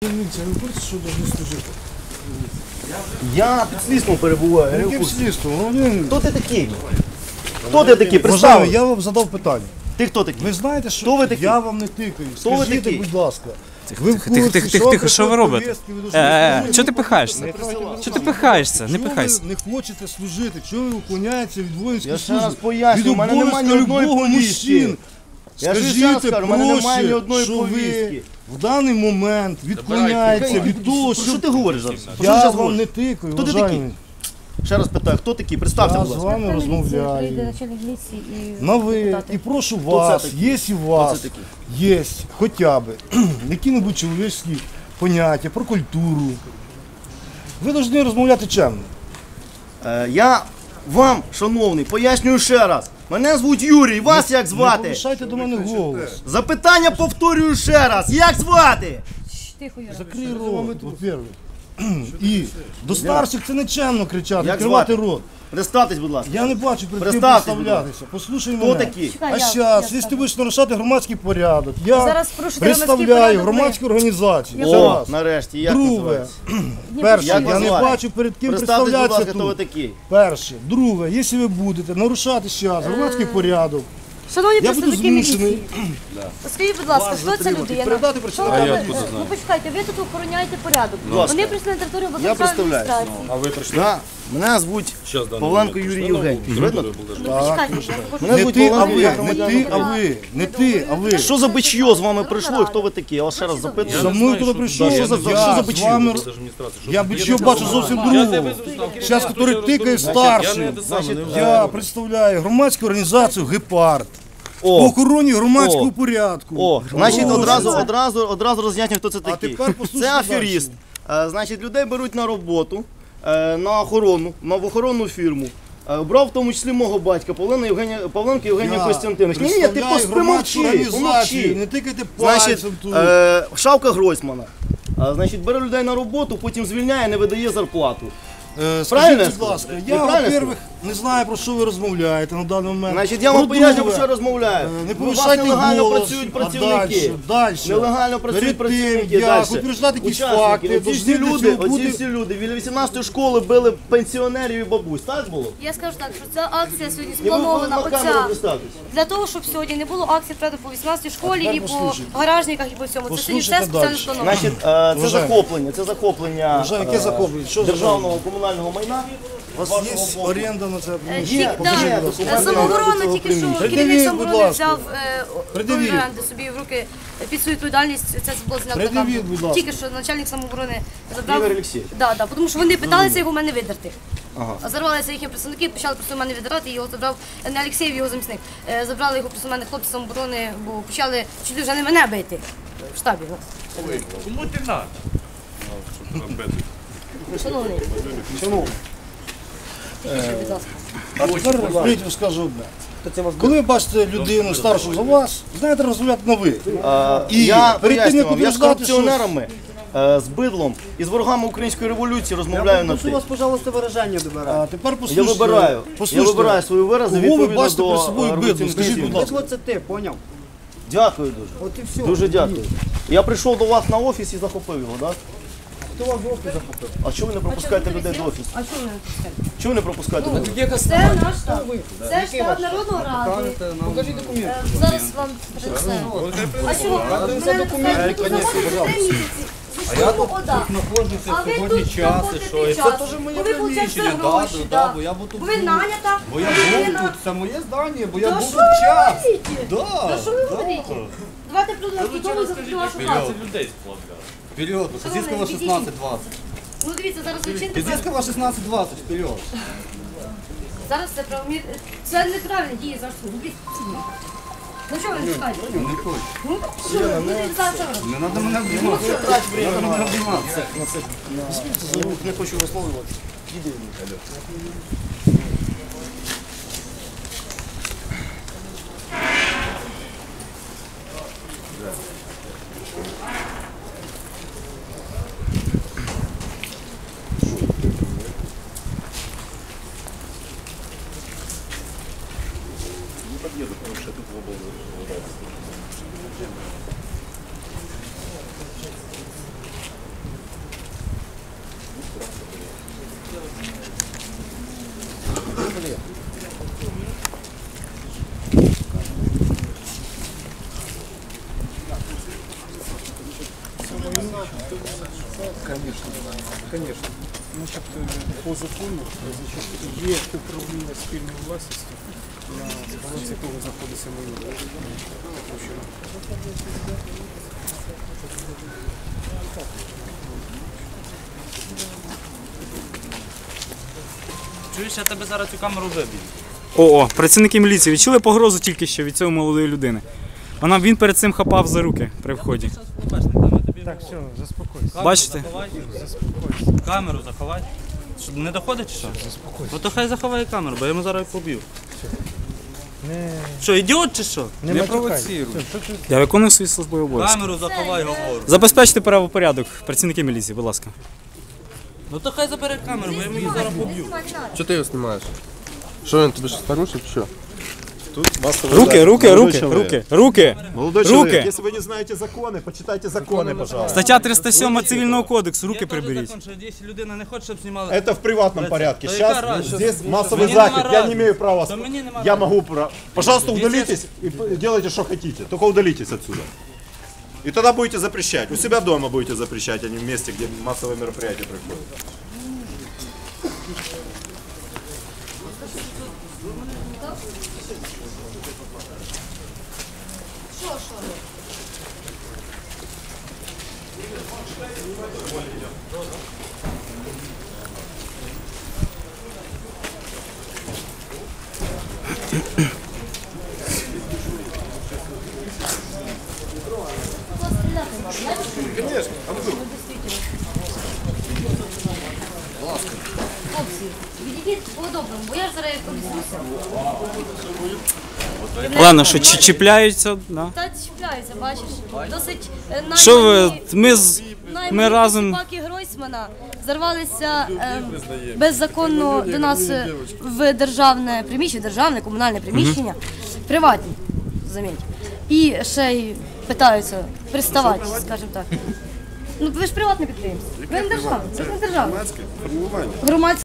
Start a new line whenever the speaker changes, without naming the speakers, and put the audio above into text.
Дивіться, ви хочете, що повинні служити?
Я під слідством перебуваю.
Яким слідством?
Хто ти такий? Хто ти такий?
Вважаю,
Представ.
я вам задав питання.
Ти хто такий?
Ви знаєте, що
Хто ви такі?
я вам не тикаю.
Хто ви
Скажіть,
такі?
будь ласка.
Тихо, що ви робите? Чого ти пихаєшся? Чого ти пихаєшся? Не пихайся.
Чому ви не хочете служити? Чому ви уклоняєтеся від воїнської
Я ще
служби?
раз пояснюю, у мене немає ні одної повістки. Я ж ще раз кажу, у мене немає ні одної
що
повістки.
ви в даний момент відклоняєтеся від того,
Що ти говориш зараз? Що ти
я
зараз
вам
говориш?
не тикаю.
Хто ти
вважаю.
такий? Ще раз питаю, хто такий? Представся,
Я
будь
з
ласка.
вами розмовляю. На ви, і прошу вас,
такі?
є і у вас,
такі?
є хоча б які-небудь чоловічські поняття про культуру. Ви повинні розмовляти чемно.
Я вам, шановний, пояснюю ще раз. Мене звуть Юрій, вас як
Не
звати?
повишайте до мене голос.
Запитання повторюю ще раз. Як звати?
Тихо, Юра.
Закрий рот, во-первых. І до старших це не чемно кричати,
Як
відкривати
звати?
рот.
Представтесь, будь ласка.
Я не бачу перед ким
Представтесь, будь
представлятися. Послухай
Хто
мене.
такі?
А
я
зараз,
скажу.
якщо ти будеш нарушати громадський порядок, я
Зараз порушите громадський
представляю
порядок,
громадську організацію. Це
О,
раз.
нарешті, як
Друге,
називається?
перше,
Як
я
вас
не
звати?
бачу перед ким
Представтесь, будь
представлятися
ласка, хто ви
тут.
такий?
Перше. Друге, якщо ви будете нарушати зараз громадський порядок,
Шановні
я буду
представники
змушений.
міліції, скажіть, будь ласка, хто ця людина?
Передати
Що ви робите? Ну почекайте, ви тут охороняєте порядок. Вони прийшли на територію
Я
обласної
представляю.
адміністрації.
Да. Мене звуть Павленко Юрій Євгенійович. Видно?
Ну почекайте, я хочу.
Мене
Не
звуть
ти, а
Павленко
ви,
Юрій
не
Громадянин
ти, а
України.
ви, не ти, а ви.
Що за бичьо з вами прийшло і хто ви такі? Я вас ще раз запитую.
За мною коли прийшов,
Що за бичьо?
з вами, я бичьо бачу зовсім другого. Зараз, який тикає старший. Я представляю громадську організацію «Гепард» по
О,
охороні громадського порядку.
о, значить
Прошу.
одразу роз'ясню, хто це такий.
тепер послухайте
Це аферіст. Значить, людей беруть на роботу, на охорону, в охоронну фірму. Брав в тому числі мого батька, Павленко Євгенія Костянтинович. Ні, ти
представляю громадську організацію,
помовчи.
не тикайте
Значить,
пальцем тут.
Шавка Гройсмана. Значить, бере людей на роботу, потім звільняє, не видає зарплату. правильно
Скажіть, будь ласка, я,
правильно
во-первых, не знаю, про що ви розмовляєте на даний момент.
Значить, я вам
По-друге,
поясню, про що я розмовляю.
Не
У вас
повишайте
нелегально
голос,
працюють
а
працівники.
далі.
Нелегально працюють
Перед тим,
працівники.
як
Далі.
утверждати якісь
Учасники.
факти,
Оці всі
повинні
люди,
цього бути-
біля 18-ї школи били пенсіонерів і бабусь. Так було?
Я скажу так, що ця акція сьогодні
І ви
спланована
на камеру
оця
представтесь.
для того, щоб сьогодні не було акцій правда, по 18-й школі і по
послухайте.
гаражниках, і по всьому. Це сьогодні все
Послухайте
спеціально
далі.
сплановано.
Значить, це
Вважаю.
захоплення
Вже яке захоплення? Що за
державного комунального майна.
У вас є оренда на це приміщення?
Покажіть,
Да,
документи
самооборона
цього
тільки що
приміщення.
керівник
Придивіть,
самооборони
будь ласка.
взяв
Придивіть.
оренди собі в руки під свою відповідальність. Це було знято на
Придивіть,
камеру.
будь ласка.
Тільки що начальник самооборони забрав.
Ігор Олексійович.
Да, тому що вони питалися його в мене видерти. А зарвалися їхні представники, почали просто в мене віддирати, і його забрав не Олексєєв, його замісник. Забрали його просто в мене хлопці самооборони, бо почали чуть вже не мене бити в штабі.
Кому ти надо?
Шановний, тихіше, будь ласка.
А тепер розумієте, скажу одне. Коли ви бачите людину старшу за вас, знаєте, розмовляти на ви. І
Я
перед тим,
поясню
як
вам, я з
утверждати, що...
корупціонерами, з бидлом і з ворогами української революції розмовляю на ти.
пожалуйста, выражение добирать.
А тепер
Я
послухайте.
вибираю. Я
Послухайте.
вибираю свої вирази
Кого ви
відповідно
бачите
до
перед собою бидлом?
революційних
Скажіть, будь
цінностей.
ласка.
Вот это ты, понял?
Дякую дуже.
Вот и все.
Дуже дякую. Я прийшов до вас на офіс і захопив його, так?
Кто вам в офис захопил?
А чого ви не пропускаєте людей до офісу?
А що ви не пускаєте?
Чого ви не пропускаєте людей?
Це наш штаб. Це штаб Народної ради.
Покажи документ.
Зараз вам принесе. А чого? Мене не пускають? Ви тут знаходитесь 3 місяці. А я тут
Знаходжуся
А ви
сьогодні
тут
час, і
знаходите
що? І
час.
це теж моє
Ви получаєте
приміщення,
гроші,
да, бо я був тут.
Ви нанята.
Бо я був
людина.
тут, це моє здання, бо я
Та
був
що
тут
ви
час.
говорите?
Да,
Та що ви
да.
говорите? Давайте придумаємо, хто за вашу працю.
Людей сплавляли.
Вперед, Сосискова
Шановний,
16-20.
Ну дивіться, зараз ви чините.
Сосискова 16-20, вперед.
Зараз це правомір. Це неправильно діє зараз. Ну що ви не чекаєте?
Не хочу.
Ну що ви? Ну, зараз що ви?
Не треба мене обіймати. Не треба мене обіймати.
Не хочу висловлювати.
Конечно. Значить, по закону, значить, є управління спільною власністю, на балансі якого знаходиться майно.
Чуєш, я тебе зараз цю камеру виб'ю. О, працівники міліції відчули погрозу тільки що від цієї молодої людини. Він перед цим хапав за руки при вході.
Так, все, заспокойся.
Бачите?
Заспокойся.
Камеру заховай. Що, не доходить чи що?
Заспокойся.
Ну то хай заховає камеру, бо я йому зараз поб'ю.
Не,
Що, ідіот чи що?
не провоцируй.
Я виконую свої службові обов'язки.
Камеру заховай, говорю.
Забезпечте правопорядок, працівники міліції, будь ласка.
Ну то хай забере камеру, бо я йому її зараз поб'ю.
Что ты его снимаешь? Что он тебе сейчас порушит? Что?
Руки!
Молодой
Руки!
человек, если вы не знаете законы, почитайте законы, пожалуйста.
Стаття 307 Цивільного кодексу, руки приберіть.
Закон, що якщо людина не хоче, щоб знімали.
Это в приватном порядке.
Да
Сейчас
яка разница?
здесь массовый
Мне
заход.
нема
Я не
разницы.
имею права.
Да мне нема
Я
разницы.
могу. Пожалуйста,
Если-
удалитесь и делайте, что хотите. Только удалитесь отсюда. И тогда будете запрещать. У себя дома будете запрещать, а не в месте, где массовые мероприятия проходят.
Хлопці, відійдіть по-доброму, бо я ж зараз повіснуся.
Ладно, що чіпляються, да.
Та чіпляються, бачиш. Досить
Що ви, ми разом...
собаки Гройсмана зарвалися беззаконно до нас в державне приміщення, державне, комунальне приміщення, приватні, заміть. І ще й питаються приставати, скажімо так. Ну ви ж приватне підприємство. Ви не державне, це ж не державне. Громадське.